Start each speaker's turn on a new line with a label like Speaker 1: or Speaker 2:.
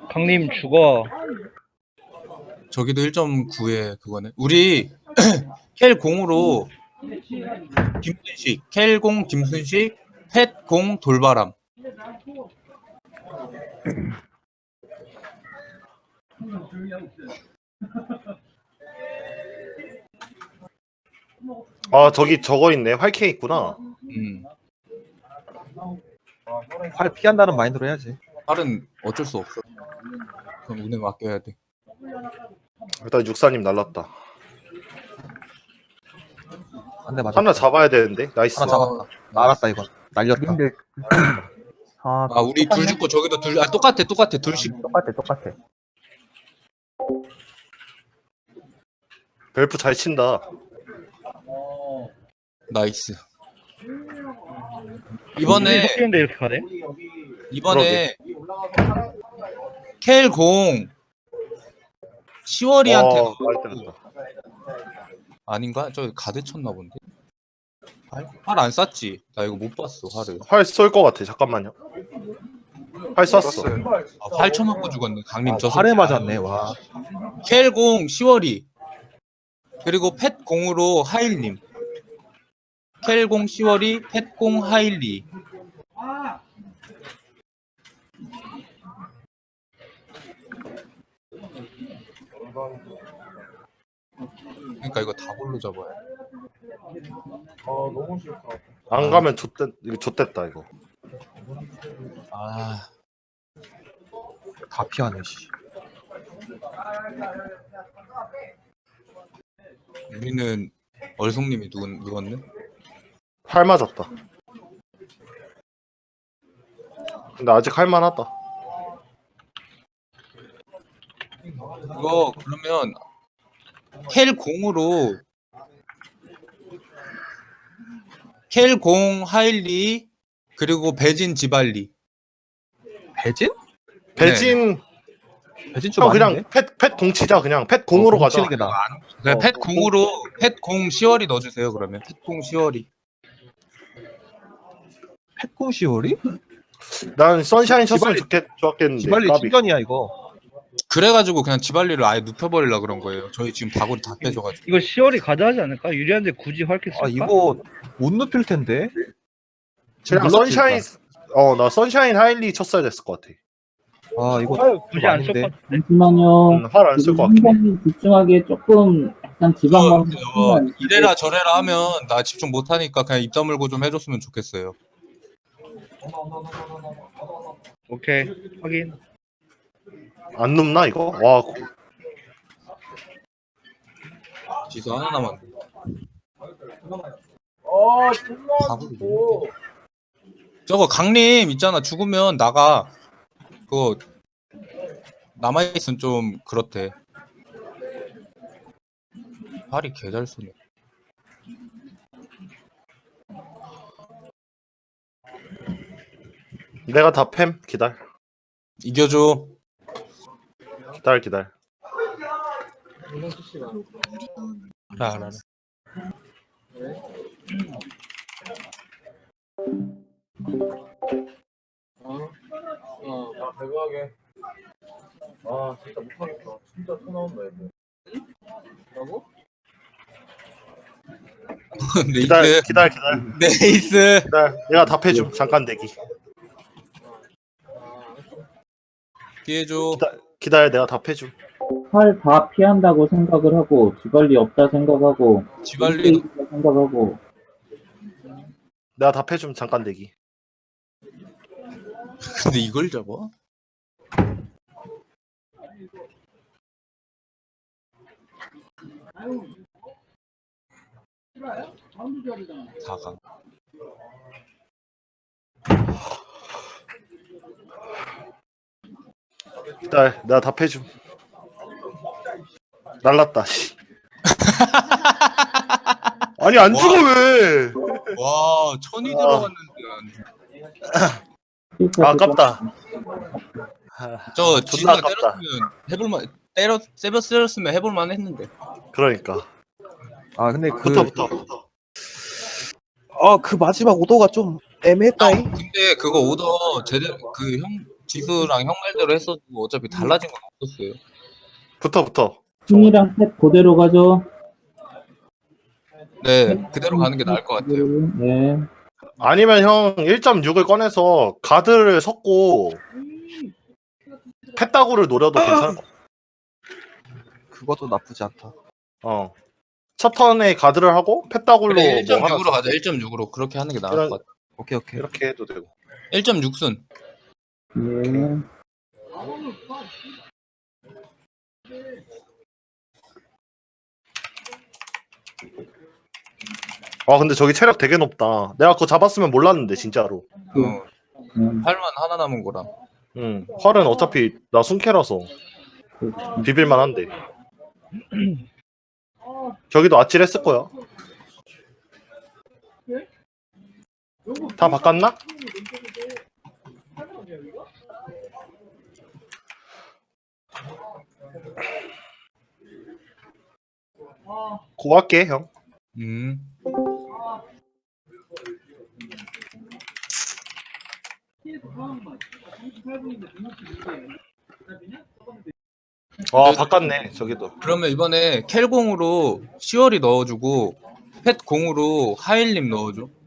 Speaker 1: 강림 죽어.
Speaker 2: 저기도 1.9에 그거네. 우리 켈 공으로 김순식, 켈 공 김순식, 펫 공 돌바람.
Speaker 3: 아 저기 저거 있네. 활캐 있구나.
Speaker 4: 활 피한다는 마인드로 해야지.
Speaker 2: 팔은 어쩔 수 없어. 그럼 운에 맡겨야 돼.
Speaker 3: 일단 육사님 날랐다.
Speaker 4: 한 대 맞아.
Speaker 3: 하나 잡아야 되는데. 나이스.
Speaker 4: 하나 잡았다. 알았다 이건. 날렸다.
Speaker 5: 근데 아,
Speaker 2: 아 우리 둘 죽고 저기도 둘. 아 똑같아. 둘씩.
Speaker 5: 똑같아.
Speaker 3: 벨프 잘 친다.
Speaker 2: 나이스. 이번에
Speaker 1: 섞이는데 이렇게 가네?
Speaker 2: 켈 공 10월이한테
Speaker 3: 많이 때렸다.
Speaker 2: 아닌가? 저 가드 쳤나 본데. 활 안 쐈지? 나 이거 못 봤어 활을.
Speaker 3: 활 쏠 것 같아. 잠깐만요. 활 쐈어.
Speaker 2: 아, 활 쳐맞고 죽었네. 강림 저
Speaker 4: 활에 맞았네. 와.
Speaker 2: 켈 공 10월이 그리고 펫 공으로 하일님. 켈 공 10월이 펫 공 하일리. 그러니까 이거 다 골로 잡아야 돼.
Speaker 3: 안 가면 좆됐다 이거.
Speaker 2: 아
Speaker 4: 다 피하네. 씨.
Speaker 2: 우리는 얼송님이 누웠네.
Speaker 3: 활 맞았다. 근데 아직 할만하다.
Speaker 2: 이거 그러면 켈 공으로 켈 공 하일리 그리고 배진 지발리.
Speaker 4: 배진?
Speaker 3: 배진
Speaker 4: 배진 좀
Speaker 3: 형 그냥
Speaker 4: 아닌데?
Speaker 3: 팻 공치자. 그냥 팻 공으로 가자.
Speaker 4: 치는 게 나아.
Speaker 2: 그냥 펫 공으로 펫 공 10월이 넣어주세요. 그러면 펫 공 10월이.
Speaker 4: 펫공 시월이?
Speaker 3: 난 선샤인 쳤으면
Speaker 4: 지발리-
Speaker 3: 좋았겠는데.
Speaker 4: 지발리
Speaker 3: 까비.
Speaker 4: 충전이야 이거.
Speaker 2: 그래가지고 그냥 지발리를 아예 눕혀버리려 그런 거예요. 저희 지금 다골이 다 빼줘가지고.
Speaker 1: 이거 10월이 가져하지 않을까? 유리한데 굳이 활캐 쓸까?
Speaker 4: 아 이거 못 눕힐 텐데.
Speaker 3: 그냥
Speaker 4: 눌렀지,
Speaker 3: 선샤인 나 선샤인 하일리 쳤어야 됐을 것 같아.
Speaker 4: 아 이거
Speaker 1: 굳이 안 쓸
Speaker 4: 아닌데.
Speaker 1: 것 같은데?
Speaker 6: 잠시만요.
Speaker 3: 활 안 쓸 것 같긴 해.
Speaker 6: 굉장히 집중하기에 조금 약간 지방만
Speaker 2: 이래라 저래라 하면 나 집중 못하니까 그냥 입 다물고 좀 해줬으면 좋겠어요.
Speaker 1: 오케이 확인.
Speaker 3: 안 눕나 이거? 와
Speaker 2: 지수 하나 남았네. 저거 강림 있잖아. 죽으면 나가. 그거 남아있으면 좀 그렇대. 팔이 개잘 쏘네.
Speaker 3: 내가 다 팸. 기다려.
Speaker 2: 이겨줘.
Speaker 3: 기다려.
Speaker 2: 알아.
Speaker 7: 대박에. 아 진짜 못하겠다. 진짜 토 나온다 이거. 뭐라고?
Speaker 2: 네이스.
Speaker 3: 기다려.
Speaker 2: 네이스.
Speaker 3: 내가 답해줌. 잠깐 대기.
Speaker 2: 피해줘.
Speaker 3: 기다려. 내가 답해줌.
Speaker 6: 활 다 피한다고 생각을 하고 지발리 없다 생각하고
Speaker 2: 지발리
Speaker 6: 있다 생각하고
Speaker 3: 내가 답해줌. 잠깐 대기.
Speaker 2: 근데 이걸 잡아? 다가.
Speaker 3: 기다려. 내가 답해줌. 날랐다. 씨. 아니 안 죽어 왜?
Speaker 2: 와, 천이 들어갔는데.
Speaker 3: 아깝다.
Speaker 2: 저
Speaker 3: 존나
Speaker 2: 지수가
Speaker 3: 아깝다.
Speaker 2: 때렸으면 해볼만. 때렸으면 해볼만 했는데.
Speaker 3: 그러니까.
Speaker 4: 아 근데
Speaker 3: 붙어.
Speaker 4: 그 마지막 오더가 좀 애매했다잉.
Speaker 2: 근데 그거 오더 제대로 그 형 지수랑 형 말대로 했어도 어차피 달라진 건 없었어요.
Speaker 3: 붙어.
Speaker 6: 킹이랑 펫 그대로 가죠.
Speaker 2: 네, 그대로 가는 게 나을 것 같아요.
Speaker 6: 네.
Speaker 3: 아니면 형 1.6을 꺼내서 가드를 섞고 패따구를 노려도 괜찮을 것 같아.
Speaker 4: 그것도 나쁘지 않다.
Speaker 3: 첫 턴에 가드를 하고 패따구로
Speaker 2: 그래,
Speaker 3: 뭐 하나
Speaker 2: 1.6으로 가자.
Speaker 3: 섞고
Speaker 2: 1.6으로 그렇게 하는 게 나을
Speaker 3: 이런-
Speaker 2: 것 같아.
Speaker 4: 오케이.
Speaker 3: 이렇게 해도 되고.
Speaker 2: 1.6순.
Speaker 6: 네.
Speaker 3: 아 근데 저기 체력 되게 높다. 내가 그거 잡았으면 몰랐는데 진짜로.
Speaker 2: 팔만 하나 남은 거라.
Speaker 3: 활은 어차피 나 순캐라서 비빌만 한데. 저기도 아찔했을 거야. 다 바꿨나? 고할게 형. 바꿨네 저기도.
Speaker 2: 그러면 이번에 켈공으로 시월이 넣어주고 펫공으로 하일님 넣어줘.